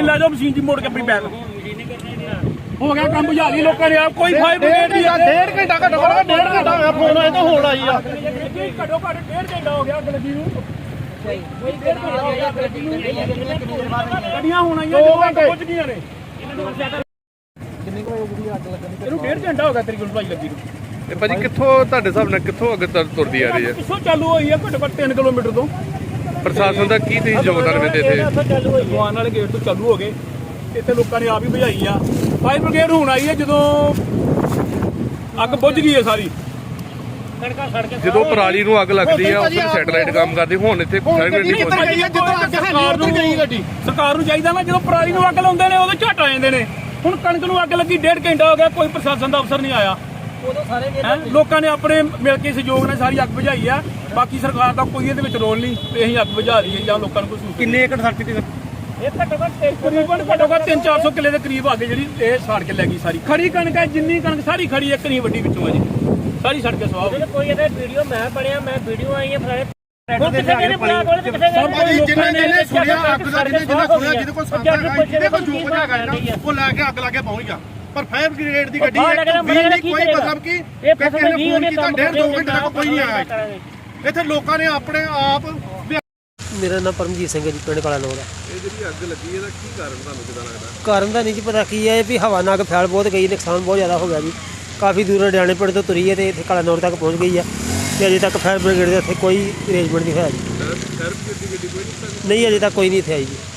ਲੈ जाओ मशीन जी मोड़ के अपनी बैग हो गया काम बुझा ली लोगों ने कोई फायर ब्रिगेड नहीं 1.5 घंटा घट्टो घट्ट 1.5 घंटा होया फोन आए तो होण आई आ घट्टो घट्ट 1.5 घंटा हो गया अग लगी नूं गड्डियां होण आईयां 2 घंटे पहुंच गईयां ने किन्नी को होई अग लगनी ਇਹਨੂੰ 1.5 घंटा ਹੋ ਗਿਆ ਤੇਰੀ ਗੁਲਪਾਈ ਲੱਗੀ ਨੂੰ ਇਹ ਭਾਜੀ ਕਿੱਥੋਂ ਤੁਹਾਡੇ ਹਿਸਾਬ ਨਾਲ ਕਿੱਥੋਂ ਅੱਗੇ ਤੁਰਦੀ ਆ ਰਹੀ ਹੈ ਕਿੱਥੋਂ ਚਾਲੂ ਹੋਈ ਆ ਘੱਟੋ ਘੱਟ 3 ਕਿਲੋਮੀਟਰ ਤੋਂ ਪ੍ਰਸ਼ਾਸਨ ਦਾ ਕੀ ਤੁਸੀਂ ਯੋਗਦਾਨ ਵੇਂਦੇ ਇੱਥੇ ਦੁਕਾਨ ਵਾਲੇ ਗੇਟ ਤੋਂ ਚਾਲੂ ਹੋ ਗਏ ਇੱਥੇ ਲੋਕਾਂ ਨੇ ਆਪ ਹੀ ਬੁਝਾਈ ਆ ਫਾਇਰ ਬ੍ਰਿਗੇਡ ਹੁਣ ਆਈ ਹੈ ਜਦੋਂ ਅੱਗ ਬੁਝ ਗਈ ਹੈ ਸਾਰੀ ਜਦੋਂ ਪਰਾਲੀ ਨੂੰ ਅੱਗ ਲੱਗਦੀ ਆ ਉੱਥੇ ਸੈਟੇਲਾਈਟ ਕੰਮ ਕਰਦੀ ਹੁਣ ਇੱਥੇ ਫਾਇਰ ਬ੍ਰਿਗੇਡ ਨਹੀਂ ਪਹੁੰਚੀ ਸਰਕਾਰ ਨੂੰ ਚਾਹੀਦਾ ਨਾ ਜਦੋਂ ਪਰਾਲੀ ਨੂੰ ਅੱਗ ਲਾਉਂਦੇ ਨੇ ਉਦੋਂ ਝਟ ਆ ਜਾਂਦੇ ਨੇ ਹੁਣ ਕਣਕ ਨੂੰ ਅੱਗ ਲੱਗੀ 1.5 ਘੰਟਾ ਹੋ ਗਿਆ ਕੋਈ ਪ੍ਰਸ਼ਾਸਨ ਦਾ ਅਫਸਰ ਨਹੀਂ ਆਇਆ ਲੋਕਾਂ ਨੇ ਆਪਣੇ ਮਿਲ ਕੇ ਸਹਿਯੋਗ ਨਾਲ ਸਾਰੀ ਅੱਗ ਬੁਝਾਈ ਆ ਬਾਕੀ ਸਰਕਾਰ ਦਾ ਕੋਈ ਇਹਦੇ ਵਿੱਚ ਰੋਲ ਨਹੀਂ ਤੇ ਅਸੀਂ ਅੱਗ ਬੁਝਾ ਰਹੀ ਹੈ ਜਾਂ ਲੋਕਾਂ ਨੂੰ ਕੋਈ ਕਿੰਨੇ ਏਕੜ ਸੜਕ ਤੇ ਇਹ ਘੱਟੋ ਘੱਟ 300-400 ਕਿੱਲੇ ਦੇ ਕਰੀਬ ਅੱਗ ਜਿਹੜੀ ਇਹ ਸਾੜ ਕੇ ਲੈ ਗਈ ਸਾਰੀ ਖੜੀ ਕਣਕ ਹੈ ਜਿੰਨੀ ਕਣਕ ਸਾਰੀ ਖੜੀ ਇੱਕ ਨਹੀਂ ਵੱਡੀ ਵਿੱਚੋਂ ਆ ਜੀ ਸਾਰੀ ਸੜ ਕੇ ਸਵਾਹ ਕੋਈ ਇਹਦਾ ਵੀਡੀਓ ਮੈਂ ਬਣਿਆ ਮੈਂ ਵੀਡੀਓ ਆਈ ਹੈ ਫਲਾਣੇ ਉਹ ਲੈ ਕੇ ਅੱਗ ਲਾ ਕੇ ਪਹੁੰਚ ਗਿਆ ਪਰ ਫਾਇਰ ਬ੍ਰਿਗੇਡ ਦੀ ਗੱਡੀ ਕੋਈ ਮਤਲਬ ਕਿ ਫੋਨ ਕੀਤਾ 1.5-2 ਘੰਟੇ ਤੱਕ ਕੋਈ ਨਹੀਂ ਆਇਆ ਇੱਥੇ ਲੋਕਾਂ ਨੇ ਆਪਣੇ ਆਪ ਮੇਰਾ ਨਾਮ ਪਰਮਜੀਤ ਸਿੰਘ ਹੈ ਜੀ ਪਿੰਡ ਕਾਲਾ ਨੌਰ ਦਾ ਇਹ ਜਿਹੜੀ ਅੱਗ ਲੱਗੀ ਇਹਦਾ ਕੀ ਕਾਰਨ ਤੁਹਾਨੂੰ ਕਿਦਾਂ ਲੱਗਦਾ ਕਾਰਨ ਦਾ ਨਹੀਂ ਜੀ ਪਤਾ ਕੀ ਹੈ ਵੀ ਹਵਾ ਨਾਲ ਫੈਲ ਬਹੁਤ ਗਈ ਨੁਕਸਾਨ ਬਹੁਤ ਜ਼ਿਆਦਾ ਹੋ ਗਿਆ ਜੀ ਕਾਫੀ ਦੂਰ ਹਰਿਆਣੇ ਪਿੰਡ ਤੋਂ ਤੁਰੀ ਹੈ ਤੇ ਇੱਥੇ ਕਾਲਾ ਨੌਰ ਤੱਕ ਪਹੁੰਚ ਗਈ ਹੈ ਤੇ ਅਜੇ ਤੱਕ ਫਾਇਰ ਬ੍ਰਿਗੇਡ ਦੇ ਇੱਥੇ ਕੋਈ ਅਰੇਂਜਮੈਂਟ ਨਹੀਂ ਹੋਇਆ ਜੀ ਫਾਇਰ ਬ੍ਰਿਗੇਡ ਦੀ ਗੱਡੀ ਕੋਈ ਨਹੀਂ ਅਜੇ ਤੱਕ ਕੋਈ ਨਹੀਂ ਇੱਥੇ ਆਈ ਜੀ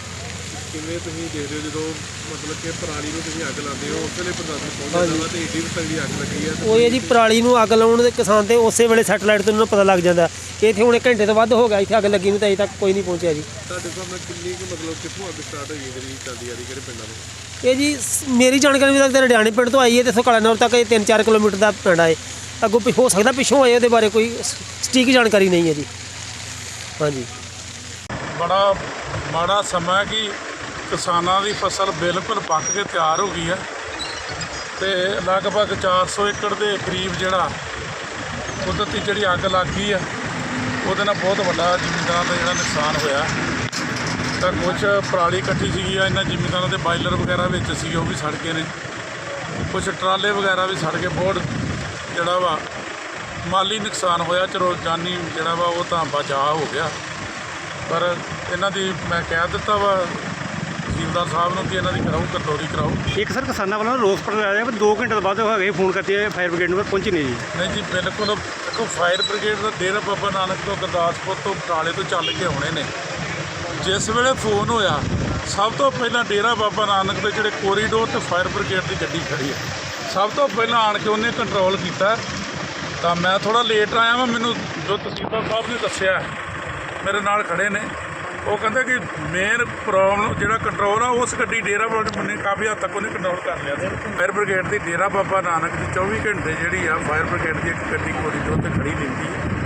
ਕਿਵੇਂ ਤੁਸੀਂ ਦੇਖਦੇ ਹੋ ਜਦੋਂ ਮਤਲਬ ਕਿ ਪਰਾਲੀ ਨੂੰ ਤੁਸੀਂ ਅੱਗ ਲਾਉਂਦੇ ਹੋ ਉਸ ਵੇਲੇ ਪ੍ਰਸ਼ਾਸਨ ਪਹੁੰਚ ਜਾਂਦਾ ਤੇ ਏਡੀ ਤਗੜੀ ਅੱਗ ਲੱਗੀ ਹੈ ਉਹ ਇਹ ਜੀ ਪਰਾਲੀ ਨੂੰ ਅੱਗ ਲਾਉਣ ਦੇ ਕਿਸਾਨ ਤੇ ਉਸੇ ਵੇਲੇ ਸੈਟੇਲਾਈਟ ਤੋਂ ਉਹਨਾਂ ਨੂੰ ਪਤਾ ਲੱਗ ਜਾਂਦਾ ਕਿ ਇੱਥੇ ਹੁਣ 1 ਘੰਟੇ ਤੋਂ ਵੱਧ ਹੋ ਗਿਆ ਇੱਥੇ ਅੱਗ ਲੱਗੀ ਨੂੰ ਤਾਂ ਅਜੇ ਤੱਕ ਕੋਈ ਨਹੀਂ ਪਹੁੰਚਿਆ ਜੀ ਤੁਹਾਡੇ ਸਾਹਮਣੇ ਕਿੰਨੀ ਕੁ ਮਤਲਬ ਕਿੱਥੋਂ ਅੱਗ ਸਟਾਰਟ ਹੋਈ ਹੈ ਜਿਹੜੀ ਚੱਲਦੀ ਆ ਰਹੀ ਕਿਹੜੇ ਪਿੰਡਾਂ ਤੋਂ ਇਹ ਜੀ ਮੇਰੀ ਜਾਣਕਾਰੀ ਮੁਤਾਬਕ ਤਾਂ ਹਰਿਆਣੇ ਪਿੰਡ ਤੋਂ ਆਈ ਹੈ ਤੇ ਇੱਥੋਂ ਕਾਲਾ ਨੌਰ ਤੱਕ ਇਹ 3-4 ਕਿਲੋਮੀਟਰ ਦਾ ਪਿੰਡ ਹੈ ਅੱਗੋਂ ਹੋ ਸਕਦਾ ਪਿੱਛੋਂ ਆਏ ਉਹਦੇ ਬਾਰੇ ਕੋਈ ਸਟੀਕ ਜਾਣਕਾਰੀ ਨਹੀਂ ਹੈ ਜੀ ਹਾਂਜੀ ਬੜਾ ਮਾੜਾ ਸਮਾਂ ਕਿ ਕਿਸਾਨਾਂ ਦੀ ਫਸਲ ਬਿਲਕੁਲ ਪੱਕ ਕੇ ਤਿਆਰ ਹੋ ਗਈ ਹੈ ਤੇ ਲਗਭਗ 400 ਏਕੜ ਦੇ ਕਰੀਬ ਜਿਹੜਾ ਕੁਦਰਤੀ ਜਿਹੜੀ ਅੱਗ ਲੱਗ ਗਈ ਹੈ ਉਹਦੇ ਨਾਲ ਬਹੁਤ ਵੱਡਾ ਜ਼ਿਮੀਂਦਾਰਾਂ ਦਾ ਜਿਹੜਾ ਨੁਕਸਾਨ ਹੋਇਆ ਤਾਂ ਕੁਝ ਪਰਾਲੀ ਇਕੱਠੀ ਸੀਗੀ ਆ ਇਹਨਾਂ ਜ਼ਿਮੀਂਦਾਰਾਂ ਦੇ ਬਾਇਲਰ ਵਗੈਰਾ ਵਿੱਚ ਸੀ ਉਹ ਵੀ ਸੜ ਗਏ ਨੇ ਕੁਝ ਟਰਾਲੇ ਵਗੈਰਾ ਵੀ ਸੜ ਗਏ ਬਹੁਤ ਜਿਹੜਾ ਵਾ ਮਾਲੀ ਨੁਕਸਾਨ ਹੋਇਆ ਚਲੋ ਜਾਨੀ ਜਿਹੜਾ ਵਾ ਉਹ ਤਾਂ ਬਚਾਅ ਹੋ ਗਿਆ ਪਰ ਇਹਨਾਂ ਦੀ ਮੈਂ ਕਹਿ ਦਿੱਤਾ ਵਾ ਤਹਿਸੀਲਦਾਰ ਸਾਹਿਬ ਨੂੰ ਕਿ ਇਹਨਾਂ ਦੀ ਕਰਾਓ ਕੰਟਰੋਲੀ ਕਰਾਓ ਇੱਕ ਸਰ ਕਿਸਾਨਾਂ ਵੱਲੋਂ ਰੋਸ ਪ੍ਰਗਟਾਇਆ ਪਰ 2 ਘੰਟੇ ਤੋਂ ਬਾਅਦ ਹੋ ਗਏ ਫੋਨ ਕਰਤੇ ਫਾਇਰ ਬ੍ਰਿਗੇਡ ਨੂੰ ਪਹੁੰਚੀ ਨਹੀਂ ਜੀ ਨਹੀਂ ਜੀ ਬਿਲਕੁਲ ਦੇਖੋ ਫਾਇਰ ਬ੍ਰਿਗੇਡ ਦਾ ਡੇਰਾ ਬਾਬਾ ਨਾਨਕ ਤੋਂ ਗੁਰਦਾਸਪੁਰ ਤੋਂ ਬਟਾਲੇ ਤੋਂ ਚੱਲ ਕੇ ਆਉਣੇ ਨੇ ਜਿਸ ਵੇਲੇ ਫੋਨ ਹੋਇਆ ਸਭ ਤੋਂ ਪਹਿਲਾਂ ਡੇਰਾ ਬਾਬਾ ਨਾਨਕ ਦੇ ਜਿਹੜੇ ਕੋਰੀਡੋਰ ਤੇ ਫਾਇਰ ਬ੍ਰਿਗੇਡ ਦੀ ਗੱਡੀ ਖੜੀ ਹੈ ਸਭ ਤੋਂ ਪਹਿਲਾਂ ਆਣ ਕੇ ਉਹਨੇ ਕੰਟਰੋਲ ਕੀਤਾ ਤਾਂ ਮੈਂ ਥੋੜਾ ਲੇਟ ਆਇਆ ਵਾਂ ਮੈਨੂੰ ਜੋ ਤਹਿਸੀਲਦਾਰ ਸਾਹਿਬ ਨੇ ਦੱਸਿਆ ਮੇਰੇ ਨਾਲ ਖੜੇ ਨੇ ਉਹ ਕਹਿੰਦੇ ਕਿ ਮੇਨ ਪ੍ਰੋਬਲਮ ਜਿਹੜਾ ਕੰਟਰੋਲ ਆ ਉਸ ਗੱਡੀ ਡੇਰਾ ਬਾਬਾ ਨੇ ਕਾਫੀ ਹੱਦ ਤੱਕ ਉਹਨੇ ਕੰਟਰੋਲ ਕਰ ਲਿਆ ਫਾਇਰ ਬ੍ਰਿਗੇਡ ਦੀ ਡੇਰਾ ਬਾਬਾ ਨਾਨਕ ਦੀ 24 ਘੰਟੇ ਜਿਹੜੀ ਆ ਫਾਇਰ ਬ੍ਰਿਗੇਡ ਦੀ ਇੱਕ ਗੱਡੀ ਕੋਰੀਡੋਰ 'ਤੇ ਖੜੀ ਰਹਿੰਦੀ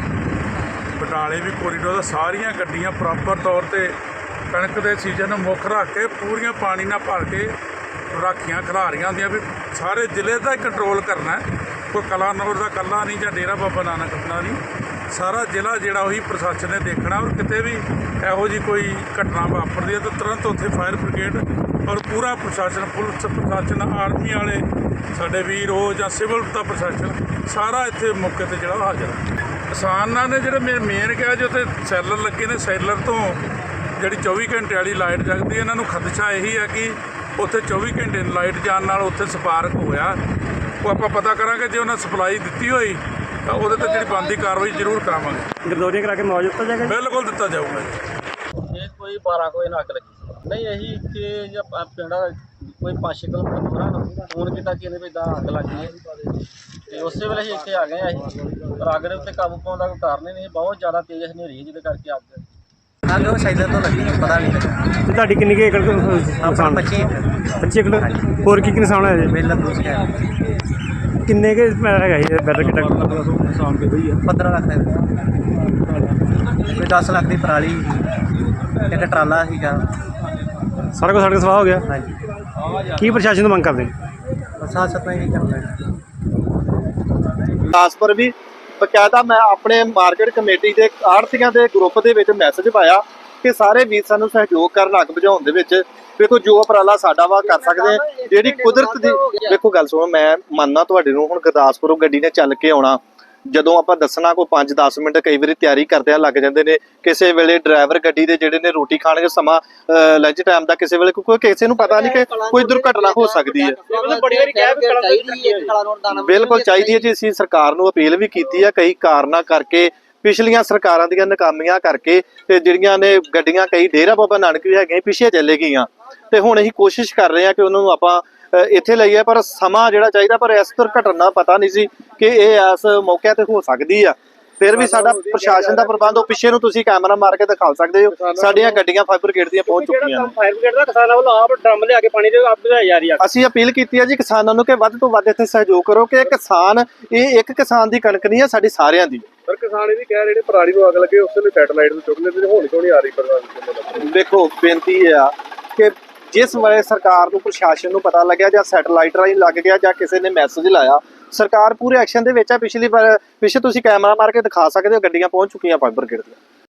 ਹੈ ਬਟਾਲੇ ਵੀ ਕੋਰੀਡੋਰ ਦਾ ਸਾਰੀਆਂ ਗੱਡੀਆਂ ਪ੍ਰੋਪਰ ਤੌਰ 'ਤੇ ਕਣਕ ਦੇ ਸੀਜ਼ਨ ਨੂੰ ਮੁੱਖ ਰੱਖ ਕੇ ਪੂਰੀਆਂ ਪਾਣੀ ਨਾਲ ਭਰ ਕੇ ਰਾਖੀਆਂ ਖਿਲਾਰੀਆਂ ਹੁੰਦੀਆਂ ਵੀ ਸਾਰੇ ਜ਼ਿਲ੍ਹੇ ਦਾ ਕੰਟਰੋਲ ਕਰਨਾ ਕੋਈ ਕਲਾਨੌਰ ਦਾ ਇਕੱਲਾ ਨਹੀਂ ਜਾਂ ਡੇਰਾ ਬਾਬਾ ਨਾਨਕ ਦਾ ਨਹੀਂ ਸਾਰਾ ਜ਼ਿਲ੍ਹਾ ਜਿਹੜਾ ਉਹੀ ਪ੍ਰਸ਼ਾਸਨ ਨੇ ਦੇਖਣਾ ਔਰ ਕਿਤੇ ਵੀ ਇਹੋ ਜਿਹੀ ਕੋਈ ਘਟਨਾ ਵਾਪਰਦੀ ਹੈ ਤਾਂ ਤੁਰੰਤ ਉੱਥੇ ਫਾਇਰ ਬ੍ਰਿਗੇਡ ਔਰ ਪੂਰਾ ਪ੍ਰਸ਼ਾਸਨ ਪੁਲਿਸ ਪ੍ਰਸ਼ਾਸਨ ਆਰਮੀ ਵਾਲੇ ਸਾਡੇ ਵੀਰ ਉਹ ਜਾਂ ਸਿਵਲ ਦਾ ਪ੍ਰਸ਼ਾਸਨ ਸਾਰਾ ਇੱਥੇ ਮੌਕੇ 'ਤੇ ਜਿਹੜਾ ਹਾਜ਼ਰ ਹੈ ਕਿਸਾਨਾਂ ਨੇ ਜਿਹੜੇ ਮੇਨ ਕਿਹਾ ਜੀ ਉੱਥੇ ਸੈਲਰ ਲੱਗੇ ਨੇ ਸੈਲਰ ਤੋਂ ਜਿਹੜੀ 24 ਘੰਟੇ ਵਾਲੀ ਲਾਈਟ ਜਗਦੀ ਇਹਨਾਂ ਨੂੰ ਖਦਸ਼ਾ ਇਹੀ ਹੈ ਕਿ ਉੱਥੇ 24 ਘੰਟੇ ਲਾਈਟ ਜਾਣ ਨਾਲ ਉੱਥੇ ਸਪਾਰਕ ਹੋਇਆ ਉਹ ਆਪਾਂ ਪਤਾ ਕਰਾਂਗੇ ਜੇ ਉਹਨਾਂ ਸਪਲਾਈ ਦਿੱਤੀ ਹੋਈ ਤਾਂ ਉਹਦੇ ਤੇ ਜਿਹੜੀ ਬਣਦੀ ਕਾਰਵਾਈ ਜ਼ਰੂਰ ਕਰਾਵਾਂਗੇ ਗਰਦੌਰੀ ਕਰਾ ਕੇ ਮੁਆਵਜ਼ਾ ਦਿੱਤਾ ਜਾਏਗਾ ਬਿਲਕੁਲ ਦਿੱਤਾ ਜਾਊਗਾ ਇਹ ਕੋਈ 12 ਕੋਈ ਨਾ ਅੱਗ ਲੱਗੀ ਨਹੀਂ ਇਹੀ ਕਿ ਜੇ ਪਿੰਡ ਕੋਈ 5-6 ਕਿਲੋਮੀਟਰ ਦੂਰ ਫੋਨ ਕੀਤਾ ਕਿ ਇਹਨੇ ਵੀ ਇਦਾਂ ਅੱਗ ਲੱਗ ਗਈ ਹੈ ਤੇ ਉਸੇ ਵੇਲੇ ਅਸੀਂ ਇੱਥੇ ਆ ਗਏ ਅਸੀਂ ਪਰ ਅੱਗ ਦੇ ਉੱਤੇ ਕਾਬੂ ਪਾਉਣ ਦਾ ਕੋਈ ਕਾਰਨ ਹੀ ਨਹੀਂ ਬਹੁਤ ਜ਼ਿਆਦਾ ਤੇਜ਼ ਹਨੇਰੀ ਜਿਹਦੇ ਕਰਕੇ ਅੱਗ ਉਹ ਸਾਈਡਰ ਤੋਂ ਲੱਗੀ ਪਤਾ ਨਹੀਂ ਲੱਗਾ ਤੇ ਤੁਹਾਡੀ ਕਿੰਨੀ ਕੁ ਏਕੜ ਨੁਕਸਾਨ 25 ਏਕੜ ਹੋਰ ਕੀ ਨੁਕਸਾਨ ਹੋਇਆ ਜੀ ਮੇਲਾ ਦੂਸਰਾ ਕਿੰਨੇ ਕੁ ਹੈਗਾ ਜੀ ਬੈਟਰ ਕਿੱਡਾ ਨੁਕਸਾਨ ਕਿਹਦਾ ਹੀ ਆ 15 ਲੱਖ ਦਾ ਕੋਈ 10 ਲੱਖ ਦੀ ਪਰਾਲੀ ਇੱਕ ਟਰਾਲਾ ਸੀਗਾ ਸਾਰਾ ਕੁਝ ਸਾਡੇ ਸਵਾਹ ਹੋ ਗਿਆ ਹਾਂਜੀ ਕੀ ਪ੍ਰਸ਼ਾਸਨ ਤੋਂ ਮੰਗ ਕਰਦੇ ਸਾਥ ਸਾਥ ਨਹੀਂ ਕਰਦੇ ਗੁਰਦਾਸਪੁਰ ਵੀ ਬਕਾਇਦਾ ਮੈਂ ਆਪਣੇ ਮਾਰਕੀਟ ਕਮੇਟੀ ਦੇ ਆੜ੍ਹਤੀਆਂ ਦੇ ਗਰੁੱਪ ਦੇ ਵਿੱਚ ਮੈਸੇਜ ਪਾਇਆ ਕਿ ਸਾਰੇ ਵੀਰ ਸਾਨੂੰ ਸਹਿਯੋਗ ਕਰਨ ਅੱਗ ਬੁਝਾਉਣ ਦੇ ਵਿੱਚ। ਵੇਖੋ ਜੋ ਉਪਰਾਲਾ ਸਾਡਾ ਵਾ ਕਰ ਸਕਦੇ ਆ, ਜਿਹੜੀ ਕੁਦਰਤ ਦੀ ਵੇਖੋ ਗੱਲ ਸੁਣੋ, ਮੈਂ ਮੰਨਣਾ ਤੁਹਾਡੇ ਨੂੰ, ਹੁਣ ਗੁਰਦਾਸਪੁਰੋਂ ਗੱਡੀ ਨੇ ਚੱਲ ਕੇ ਆਉਣਾ, ਜਦੋਂ ਆਪਾਂ ਦੱਸਣਾ ਕੋਈ 5-10 ਮਿੰਟ ਕਈ ਵਾਰੀ ਤਿਆਰੀ ਕਰਦਿਆਂ ਲੱਗ ਜਾਂਦੇ ਨੇ। ਕਿਸੇ ਵੇਲੇ ਡਰਾਈਵਰ ਗੱਡੀ ਦੇ ਜਿਹੜੇ ਨੇ ਰੋਟੀ ਖਾਣਗੇ ਸਮਾਂ ਲੰਚ ਟਾਈਮ ਦਾ, ਕਿਸੇ ਵੇਲੇ ਕੋਈ ਕਿਸੇ ਨੂੰ ਪਤਾ ਨਹੀਂ ਕਿ ਕੋਈ ਦੁਰਘਟਨਾ ਹੋ ਸਕਦੀ ਹੈ। ਬਿਲਕੁਲ ਚਾਹੀਦੀ ਹੈ ਜੀ, ਅਸੀਂ ਸਰਕਾਰ ਨੂੰ ਅਪੀਲ ਵੀ ਕੀਤੀ ਹੈ, ਕਈ ਕਾਰਨਾਂ ਕਰਕੇ ਪਿਛਲੀਆਂ ਸਰਕਾਰਾਂ ਦੀਆਂ ਨਾਕਾਮੀਆਂ ਕਰਕੇ ਤੇ ਜਿਹੜੀਆਂ ਨੇ ਗੱਡੀਆਂ ਕਈ ਡੇਰਾ ਬਾਬਾ ਨਾਨਕ ਵੀ ਹੈਗੀਆਂ ਪਿੱਛੇ ਚਲੇ ਗਈਆਂ, ਤੇ ਹੁਣ ਅਸੀਂ ਕੋਸ਼ਿਸ਼ ਕਰ ਰਹੇ ਹਾਂ ਕਿ ਉਹਨਾਂ ਨੂੰ ਆਪਾਂ ਇੱਥੇ ਲਈਏ, ਪਰ ਸਮਾਂ ਜਿਹੜਾ ਚਾਹੀਦਾ, ਪਰ ਇਸ ਦੁਰਘਟਨਾ ਪਤਾ ਨਹੀਂ ਸੀ ਕਿ ਇਹ ਇਸ ਮੌਕੇ ਤੇ ਹੋ ਸਕਦੀ ਆ। ਫਿਰ ਵੀ ਸਾਡਾ ਪ੍ਰਸ਼ਾਸਨ ਦਾ ਪ੍ਰਬੰਧ, ਉਹ ਪਿੱਛੇ ਨੂੰ ਤੁਸੀਂ ਕੈਮਰਾ ਮਾਰ ਕੇ ਦਿਖਾ ਸਕਦੇ ਹੋ, ਸਾਡੀਆਂ ਗੱਡੀਆਂ ਫਾਇਰ ਬ੍ਰਿਗੇਡ ਦੀਆਂ ਪਹੁੰਚ ਚੁੱਕੀਆਂ ਨੇ। ਫਾਇਰ ਬ੍ਰਿਗੇਡ ਦਾ ਕਿਸਾਨਾਂ ਵੱਲੋਂ ਆਪ ਡਰਮ ਲਿਆ ਕੇ ਪਾਣੀ ਦੇ ਆਪ ਬੁਝਾਈ ਜਾ ਰਹੀ ਆ। ਅਸੀਂ ਅਪੀਲ ਕੀਤੀ ਹੈ ਜੀ ਕਿਸਾਨਾਂ ਨੂੰ ਕਿ ਵੱਧ ਤੋਂ ਵੱਧ ਇੱਥੇ ਸਹਿਯੋਗ ਕਰੋ, ਕਿ ਕਿਸਾਨ, ਇਹ ਇੱਕ ਕਿਸਾਨ ਦੀ ਕਣਕ ਨਹੀਂ ਹੈ, ਸਾਡੀ ਸਾਰਿਆਂ ਦੀ। ਪਰ ਕਿਸਾਨ ਇਹ ਵੀ ਕਹਿ ਰਹੇ ਨੇ ਪਰਾਲੀ ਨੂੰ ਅੱਗ ਲੱਗੇ ਉਸ ਵੇਲੇ ਸੈਟਲਾਈਟ ਨੂੰ ਚੁੱਕ ਲੈਂਦੇ ਨੇ, ਹੁਣ ਕਿਉਂ ਨਹੀਂ ਆ ਰਹੀ ਪਰਵਾਹ? ਦੇਖੋ ਬੇਨਤੀ ਇਹ ਆ ਕਿ ਜਿਸ ਵੇਲੇ ਸਰਕਾਰ ਨੂੰ, ਪ੍ਰਸ਼ਾਸਨ ਨੂੰ ਪਤਾ ਲੱਗਿਆ ਜਾਂ ਸੈਟਲਾਈਟ ਰਾਹੀਂ ਲੱਗ ਗਿਆ ਜਾਂ ਕਿਸੇ ਨੇ ਮੈਸੇਜ ਲਾਇਆ, ਸਰਕਾਰ ਪੂਰੇ ਐਕਸ਼ਨ ਦੇ ਵਿੱਚ ਆ। ਪਿਛੇ ਤੁਸੀਂ ਕੈਮਰਾ ਮਾਰ ਕੇ ਦਿਖਾ ਸਕਦੇ ਹੋ, ਗੱਡੀਆਂ ਪਹੁੰਚ ਚੁੱਕੀਆਂ ਫਾਇਰ ਬ੍ਰਿਗੇਡ ਦੀਆਂ।